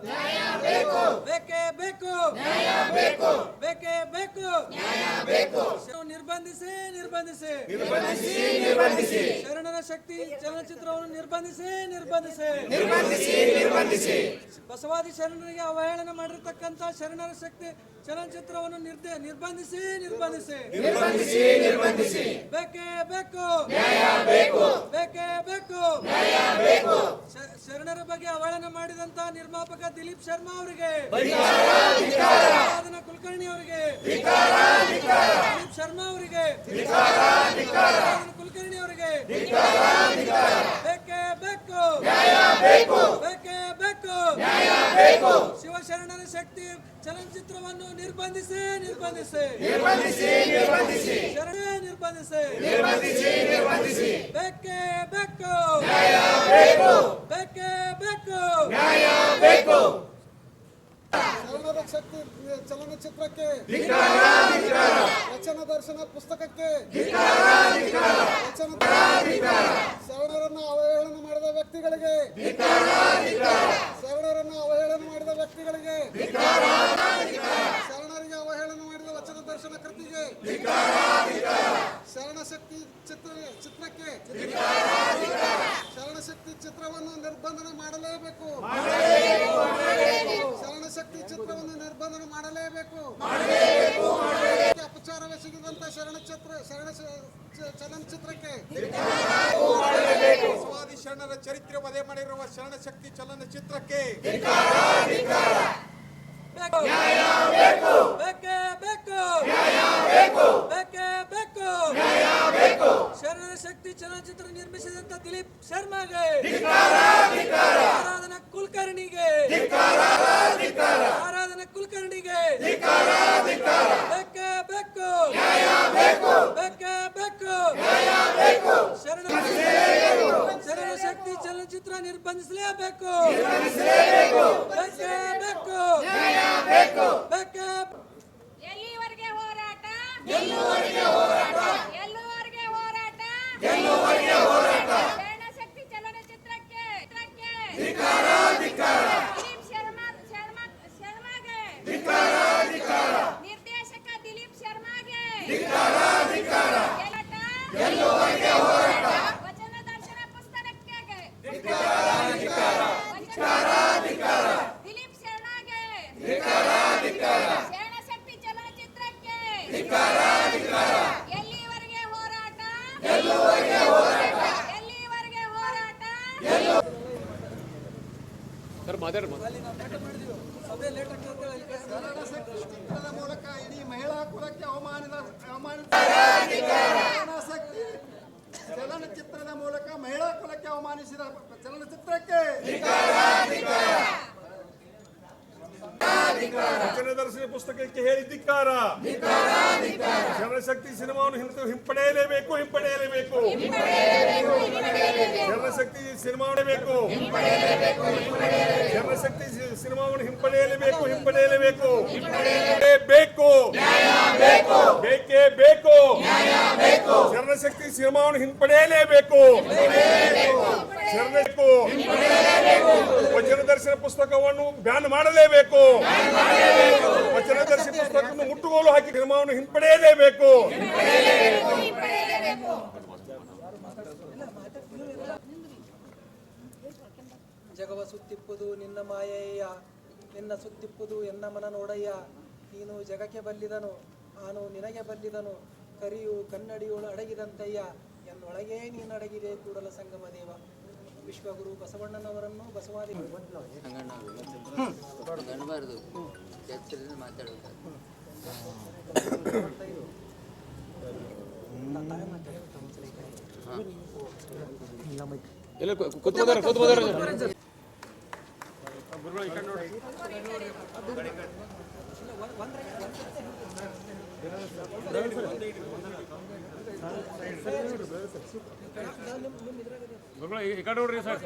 ಬೇಕೇ ಬೇಕು ಬೇಕೇ ಬೇಕು ನಿರ್ಬಂಧಿಸಿ ಶರಣರ ಶಕ್ತಿ ಚಲನಚಿತ್ರವನ್ನು ನಿರ್ಬಂಧಿಸಿ ಬಸವಾದಿ ಶರಣರಿಗೆ ಅವಹೇಳನ ಮಾಡಿರ್ತಕ್ಕಂಥ ಶರಣರ ಶಕ್ತಿ ಚಲನಚಿತ್ರವನ್ನು ನಿರ್ಬಂಧಿಸಿ ಬೇಕೇ ಬೇಕು ಶರಣರ ಬಗ್ಗೆ ಅವಹೇಳನ ಮಾಡಿದಂತ ನಿರ್ಮಾಪಕ ದಿಲೀಪ್ ಶರ್ಮಾ ಅವರಿಗೆ, ಕುಲಕರ್ಣಿ ಅವರಿಗೆ, ದಿಲೀಪ್ ಶರ್ಮಾ ಅವರಿಗೆ, ಕುಲಕರ್ಣಿ ಅವರಿಗೆ ಬೇಕೇ ಬೇಕು ಶಿವಶರಣರ ಶಕ್ತಿ ಚಲನಚಿತ್ರವನ್ನು ನಿರ್ಬಂಧಿಸಿ ಬೇಕೇ ಬೇಕು ಶರಣರ ಶಕ್ತಿ ಚಲನಚಿತ್ರಕ್ಕೆ, ವಚನ ದರ್ಶನ ಪುಸ್ತಕಕ್ಕೆ, ಶರಣರನ್ನು ಅವಹೇಳನ ಮಾಡಿದ ವ್ಯಕ್ತಿಗಳಿಗೆ, ಶರಣರಿಗೆ ಅವಹೇಳನ ಮಾಡಿದ ವಚನ ದರ್ಶನ ಕೃತಿಗೆ, ಶರಣ ಶಕ್ತಿ ಚಿತ್ರಕ್ಕೆ, ಶರಣ ಶಕ್ತಿ ಚಿತ್ರವನ್ನು ನಿರ್ಬಂಧನ ಮಾಡಲೇಬೇಕು. ಶರಣ ಶಕ್ತಿ ಚಿತ್ರವನ್ನು ನಿರ್ಬಂಧನ ಮಾಡಲೇಬೇಕು. ಅಪಚಾರವೆಸಗಿದಂತ ಚಲನಚಿತ್ರಕ್ಕೆ, ಬಸವಾದಿ ಶರಣರ ಚರಿತ್ರೆ ವಧೆ ಮಾಡಿರುವ ಶರಣ ಶಕ್ತಿ ಚಲನಚಿತ್ರಕ್ಕೆ ಶರಣರ ಶಕ್ತಿ ಚಲನಚಿತ್ರ ನಿರ್ಮಿಸಿದಂತ ದಿಲೀಪ್ ಶರ್ಮಾಗೆ, ಆರಾಧನಾ ಕುಲಕರ್ಣಿಗೆ ಶರಣ ಶಕ್ತಿ ಚಲನಚಿತ್ರ ನಿರ್ಬಂಧಿಸಲೇಬೇಕು. ಎಲ್ಲಿವರೆಗೆ ಹೋರಾಟ? ಶರಣ ಶಕ್ತಿ ಚಲನಚಿತ್ರಕ್ಕೆ ದಿಲೀಪ್ ಶರ್ಮಾಗೆ, ನಿರ್ದೇಶಕ ದಿಲೀಪ್ ಶರ್ಮಾಗೆ ವಚನ ದರ್ಶನ ಪುಸ್ತಕಕ್ಕೆ ದಿಲೀಪ್ ಶರ್ಮಾಗೆ, ಶರಣ ಶಕ್ತಿ ಚಲನಚಿತ್ರಕ್ಕೆ ಎಲ್ಲಿವರೆಗೆ ಹೋರಾಟ? ಚಿತ್ರದ ಮೂಲಕ ಇಡೀ ಮಹಿಳಾ ಕುಲಕ್ಕೆ ಅವಮಾನಿತ ಶಕ್ತಿ ಚಲನಚಿತ್ರದ ಮೂಲಕ ಮಹಿಳಾ ಕುಲಕ್ಕೆ ಅವಮಾನಿಸಿದ ಚಲನಚಿತ್ರಕ್ಕೆ ವಚನ ದರ್ಶನ ಪುಸ್ತಕಕ್ಕೆ ಹೇಳಿ ಧಿಕ್ಕಾರ. ಶರಣಶಕ್ತಿ ಸಿನಿಮಾವನ್ನು ಹಿಂಪಡೆಯಲೇಬೇಕು. ಶರಣಶಕ್ತಿ ಸಿನಿಮಾವನ್ನು ಹಿಂಪಡೆಯಲೇಬೇಕು. ಬೇಕೇ ಬೇಕು. ಶರಣಶಕ್ತಿ ಸಿನಿಮಾವನ್ನು ಹಿಂಪಡೆಯಲೇಬೇಕು. ವಚನ ದರ್ಶನ ಪುಸ್ತಕವನ್ನು ಬ್ಯಾನ್ ಮಾಡಲೇಬೇಕು. ವಚನ ದರ್ಶನ ಪುಸ್ತಕವನ್ನು ಮುಟ್ಟುಗೋಲು ಹಾಕಿ ಸಿನಿಮಾವನ್ನು ಹಿಂಪಡೆಯಲೇಬೇಕು. ಜಗವ ಸುತ್ತಿಪ್ಪುದು ನಿನ್ನ ಮಾಯಯ್ಯ, ನಿನ್ನ ಸುತ್ತಿಪ್ಪುದು ಎನ್ನ ಮನ ನೋಡಯ್ಯ. ನೀನು ಜಗಕ್ಕೆ ಬಲ್ಲಿದನು, ನಾನು ನಿನಗೆ ಬಲ್ಲಿದನು. ಕರಿಯು ಕನ್ನಡಿಯೋಳು ಅಡಗಿದಂತಯ್ಯ, ಎನ್ನೊಳಗೇ ನೀನಡಗಿದೆ ಕೂಡಲ ಸಂಗಮ ದೇವ. ವಿಶ್ವಗುರು ಬಸವಣ್ಣನವರನ್ನು ಬಸವಾದಿ ಈ ಕಡೆ ನೋಡ್ರಿ ಸರ್.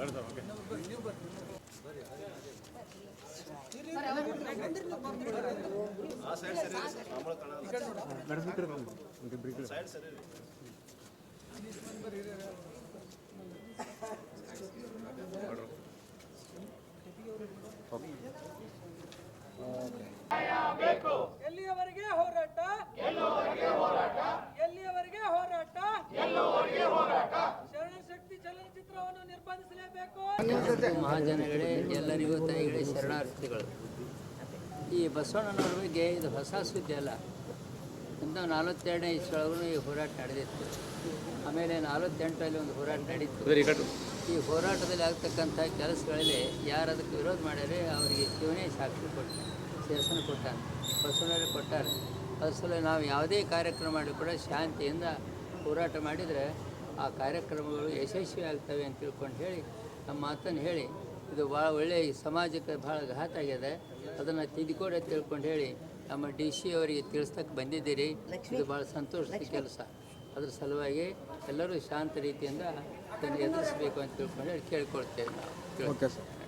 ಎಲ್ಲಿಯವರೆಗೆ ಹೋರಾಟ ಎಲ್ಲಿಯವರೆಗೆ ಹೋರಾಟ ಶರಣಶಕ್ತಿ ಚಲನಚಿತ್ರವನ್ನು ನಿರ್ಬಂಧಿಸಲೇಬೇಕು. ಮಹಾಜನಗಳೇ, ಎಲ್ಲರಿಗೂ ತಾಯಿಗಳೇ ಶರಣಾರ್ಥಿಗಳು. ಈ ಬಸವಣ್ಣನವ್ರ ಬಗ್ಗೆ ಇದು ಹೊಸ ಸುದ್ದಿ ಅಲ್ಲ. 1942ನೇ ಇಸ್ವಿಯೊಳಗೂ ಈ ಹೋರಾಟ ನಡೆದಿತ್ತು. ಆಮೇಲೆ 48ರಲ್ಲಿ ಒಂದು ಹೋರಾಟ ನಡೀತು. ಈ ಹೋರಾಟದಲ್ಲಿ ಆಗ್ತಕ್ಕಂಥ ಕೆಲಸಗಳಲ್ಲಿ ಯಾರು ಅದಕ್ಕೆ ವಿರೋಧ ಮಾಡ್ಯಾರೆ ಅವರಿಗೆ ಶಿವನೇ ಸಾಕ್ಷಿ ಕೊಟ್ಟ, ಶಾಸನ ಕೊಟ್ಟಾನೆ, ಬಸವಣ್ಣರೇ ಕೊಟ್ಟಾರೆ. ಅದ್ರ ಸಲ ನಾವು ಯಾವುದೇ ಕಾರ್ಯಕ್ರಮ ಮಾಡಿ ಕೂಡ ಶಾಂತಿಯಿಂದ ಹೋರಾಟ ಮಾಡಿದರೆ ಆ ಕಾರ್ಯಕ್ರಮಗಳು ಯಶಸ್ವಿ ಆಗ್ತವೆ ಅಂತ ತಿಳ್ಕೊಂಡು ಹೇಳಿ ನಮ್ಮ ಮಾತನ್ನು ಹೇಳಿ, ಇದು ಭಾಳ ಒಳ್ಳೆಯ ಈ ಸಮಾಜಕ್ಕೆ ಭಾಳ ಘಾತ ಆಗಿದೆ, ಅದನ್ನು ತಿದ್ದುಕೊಡಿ ಅಂತ ತಿಳ್ಕೊಂಡು ಹೇಳಿ ನಮ್ಮ DC ಅವರಿಗೆ ತಿಳಿಸ್ತಕ್ಕೆ ಬಂದಿದ್ದೀರಿ. ಇದು ಭಾಳ ಸಂತೋಷದ ಕೆಲಸ. ಅದ್ರ ಸಲುವಾಗಿ ಎಲ್ಲರೂ ಶಾಂತ ರೀತಿಯಿಂದ ಅದನ್ನು ಎದುರಿಸಬೇಕು ಅಂತ ತಿಳ್ಕೊಂಡು ಹೇಳಿ ಕೇಳ್ಕೊಳ್ತೇವೆ ನಾವು.